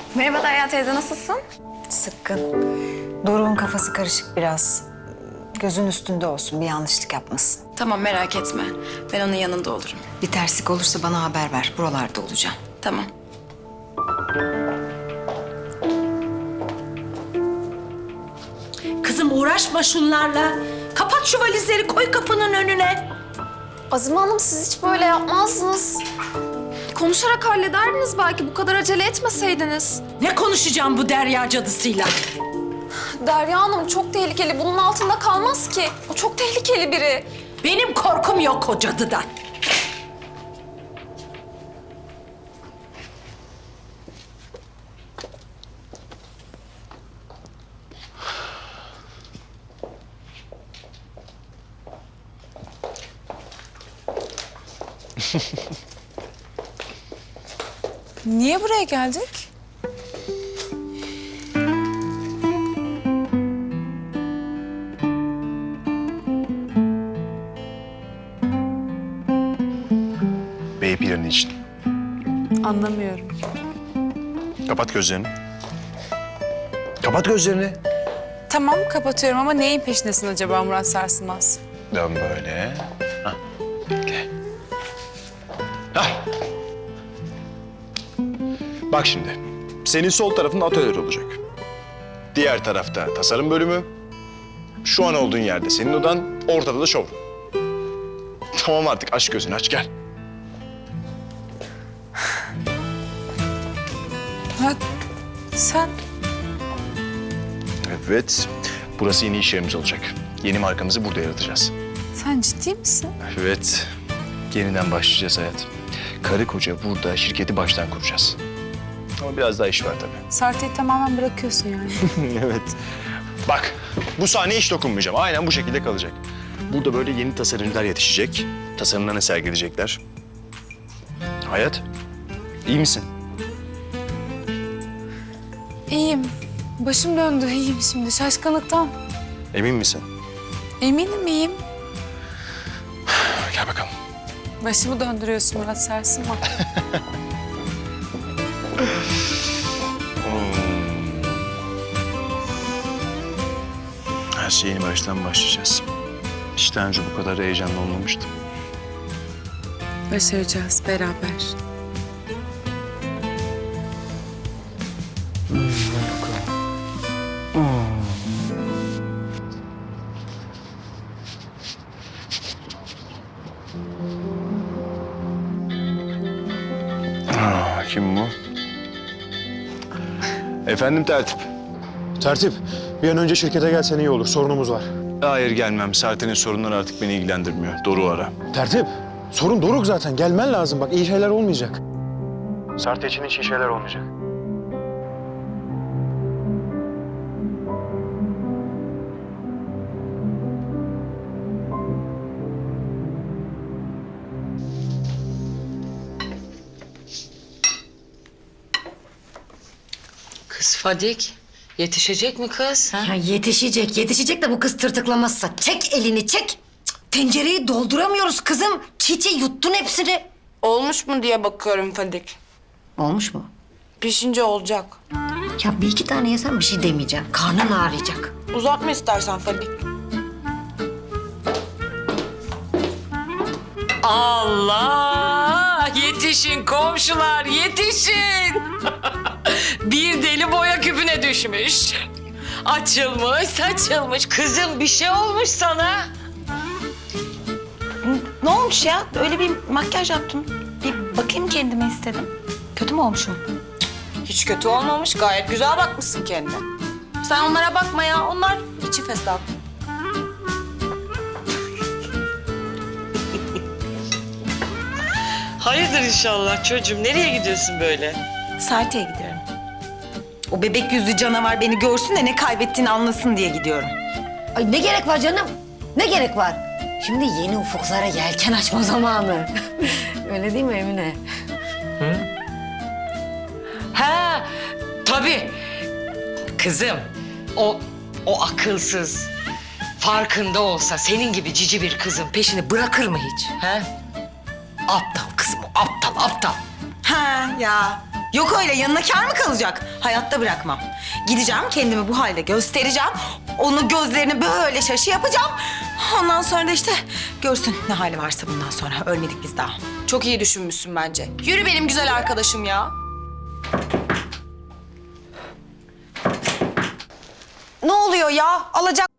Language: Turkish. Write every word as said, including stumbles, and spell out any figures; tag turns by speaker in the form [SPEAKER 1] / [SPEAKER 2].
[SPEAKER 1] Merhaba Derya teyze, nasılsın?
[SPEAKER 2] Sıkkın. Doruk'un kafası karışık biraz. Gözün üstünde olsun, bir yanlışlık yapmasın.
[SPEAKER 1] Tamam, merak etme. Ben onun yanında olurum.
[SPEAKER 2] Bir terslik olursa bana haber ver. Buralarda olacağım.
[SPEAKER 1] Tamam.
[SPEAKER 3] Kızım uğraşma şunlarla. Kapat şu valizleri, koy kapının önüne.
[SPEAKER 4] Azime Hanım, siz hiç böyle yapmazdınız. Konuşarak hallederdiniz belki, bu kadar acele etmeseydiniz.
[SPEAKER 3] Ne konuşacağım bu Derya cadısıyla?
[SPEAKER 4] Derya Hanım çok tehlikeli, bunun altında kalmaz ki. O çok tehlikeli biri.
[SPEAKER 3] Benim korkum yok o cadıdan.
[SPEAKER 5] Niye buraya geldik?
[SPEAKER 6] Bey planı için.
[SPEAKER 5] Anlamıyorum.
[SPEAKER 6] Kapat gözlerini. Kapat gözlerini.
[SPEAKER 5] Tamam kapatıyorum ama neyin peşindesin acaba Murat Sarsılmaz?
[SPEAKER 6] Dön böyle. Hah. Gel. Hah. Bak şimdi. Senin sol tarafın atölye olacak. Diğer tarafta tasarım bölümü. Şu an olduğun yerde senin odan, ortada da showroom. Tamam artık, aç gözünü, aç gel.
[SPEAKER 5] Murat sen
[SPEAKER 6] Evet. Burası yeni iş yerimiz olacak. Yeni markamızı burada yaratacağız.
[SPEAKER 5] sen ciddi misin?
[SPEAKER 6] Evet. Yeniden başlayacağız hayat. Karı koca burada şirketi baştan kuracağız. Ama biraz daha iş var tabii.
[SPEAKER 5] Sarte'yi tamamen bırakıyorsun yani.
[SPEAKER 6] Evet. Bak, bu sahneye hiç dokunmayacağım. Aynen bu şekilde kalacak. Burada böyle yeni tasarımcılar yetişecek. Tasarımlarını sergileyecekler. Hayat, iyi misin?
[SPEAKER 5] İyiyim. Başım döndü iyiyim şimdi şaşkınlıktan.
[SPEAKER 6] Emin misin?
[SPEAKER 5] Eminim iyiyim.
[SPEAKER 6] Gel bakalım.
[SPEAKER 5] Başımı döndürüyorsun Murat Sarsılmaz.
[SPEAKER 6] Her şey yeni baştan başlayacağız. Hiç daha önce bu kadar heyecanlı olmamıştım.
[SPEAKER 5] Başaracağız beraber.
[SPEAKER 6] Aa, kim bu? Efendim tertip.
[SPEAKER 7] Tertip, bir an önce şirkete gelsen iyi olur. Sorunumuz var.
[SPEAKER 6] Hayır gelmem. Serten'in sorunları artık beni ilgilendirmiyor. Doruk'u ara.
[SPEAKER 7] Tertip, sorun Doruk zaten. Gelmen lazım. Bak iyi şeyler olmayacak. Sarte için hiç iyi şeyler olmayacak.
[SPEAKER 8] Kız Fadik, yetişecek mi kız? Ha?
[SPEAKER 9] Ya yetişecek, yetişecek de bu kız tırtıklamazsa. Çek elini, çek. Cık, tencereyi dolduramıyoruz kızım. Çiğ yuttun hepsini.
[SPEAKER 10] Olmuş mu diye bakıyorum Fadik.
[SPEAKER 9] Olmuş mu?
[SPEAKER 10] Pişince olacak.
[SPEAKER 9] Ya bir iki tane yesen bir şey demeyeceğim. Karnın ağrıyacak.
[SPEAKER 10] Uzatma istersen Fadik.
[SPEAKER 8] Allah! Yetişin komşular, yetişin! Bir deli boya küpüne düşmüş. Açılmış, saçılmış. Kızım bir şey olmuş sana.
[SPEAKER 10] Ne olmuş ya? Öyle bir makyaj yaptım. Bir bakayım kendime istedim. Kötü mü olmuşum? Hiç kötü olmamış. Gayet güzel bakmışsın kendine. Sen onlara bakma ya. Onlar içi fesat.
[SPEAKER 8] Hayırdır inşallah çocuğum. Nereye gidiyorsun böyle?
[SPEAKER 10] Sarte'ye gidiyorum. O bebek yüzlü canavar beni görsün de ne kaybettiğini anlasın diye gidiyorum.
[SPEAKER 9] Ay ne gerek var canım? Ne gerek var? Şimdi yeni ufuklara yelken açma zamanı. Öyle değil mi Emine?
[SPEAKER 8] Ha, tabii. Kızım, o o akılsız, farkında olsa senin gibi cici bir kızın peşini bırakır mı hiç? Ha? Aptal kızım o, aptal, aptal.
[SPEAKER 10] Ha ya. Yok öyle yanına kâr mı kalacak? Hayatta bırakmam. Gideceğim kendimi bu halde göstereceğim. Onu gözlerini böyle şaşı yapacağım. Ondan sonra da işte görsün ne hali varsa bundan sonra. Ölmedik biz daha.
[SPEAKER 8] Çok iyi düşünmüşsün bence. Yürü benim güzel arkadaşım ya.
[SPEAKER 10] Ne oluyor ya? Alacak